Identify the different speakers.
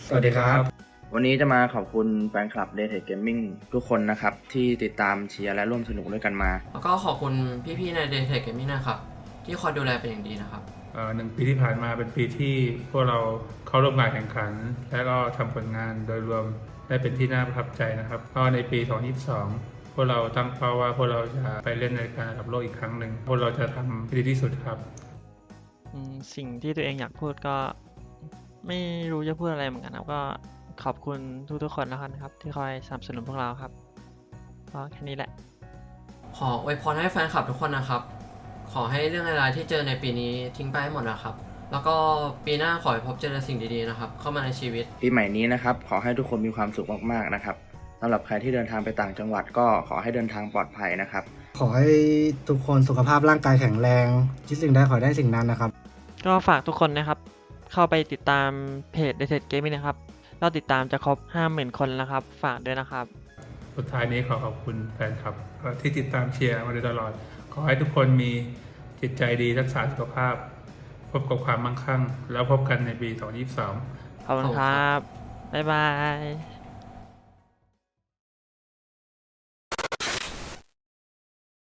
Speaker 1: สวัสดีครับ
Speaker 2: วันนี้จะมาขอบคุณแฟนคลับ Daytrade Gaming ทุกคนนะครับที่ติดตามเชียร์และร่วมสนุกด้วยกันมา
Speaker 3: แล้วก็ขอบคุณพี่ๆใน Daytrade Gaming นะครับที่คอยดูแลเป็นอย่างดีนะครับ
Speaker 1: 1 ปีที่ผ่านมาเป็นปีที่พวกเราเข้าร่วมงานแข่งขัน และก็ทำผลงานโดยรวมได้เป็นที่น่าประทับใจนะครับก็ในปี 2022 พวกเราตั้งเป้าว่าพวกเราจะไปเล่นในการระดับโลกอีกครั้งหนึ่งพวกเราจะทำให้ดีที่สุดครับ
Speaker 4: สิ่งที่ตัวเองอยากพูดก็ไม่รู้จะพูดอะไรเหมือนกันครับก็ขอบคุณทุกๆคนแล้วกันครับที่คอยสนับสนุนพวกเราครับก็แค่นี้แหละ
Speaker 3: ขออวยพรให้แฟนคลับทุกคนนะครับขอให้เรื่องอะไรที่เจอในปีนี้ทิ้งไปให้หมดนะครับแล้วก็ปีหน้าขอให้พบเจอสิ่งดีๆนะครับเข้ามาในชีวิต
Speaker 2: ปีใหม่นี้นะครับขอให้ทุกคนมีความสุขมากๆนะครับสำหรับใครที่เดินทางไปต่างจังหวัดก็ขอให้เดินทางปลอดภัยนะครับ
Speaker 5: ขอให้ทุกคนสุขภาพร่างกายแข็งแรงคิดสิ่งใดขอได้สิ่งนั้นนะครับ
Speaker 4: ก็ฝากทุกคนนะครับเข้าไปติดตามเพจ Daytrade Gaming นะครับเราติดตามจะครบ 50,000 คนแล้วครับฝากด้วยนะครับ
Speaker 1: สุดท้ายนี้ขอบคุณแฟนคลับที่ติดตามเชียร์มาโดยตลอดขอให้ทุกคนมีจิตใจดีรักษาสุขภาพพบกับความมั่งคั่งแล้วพบกันในปี 2022
Speaker 4: ขอบคุณครับบ๊ายบาย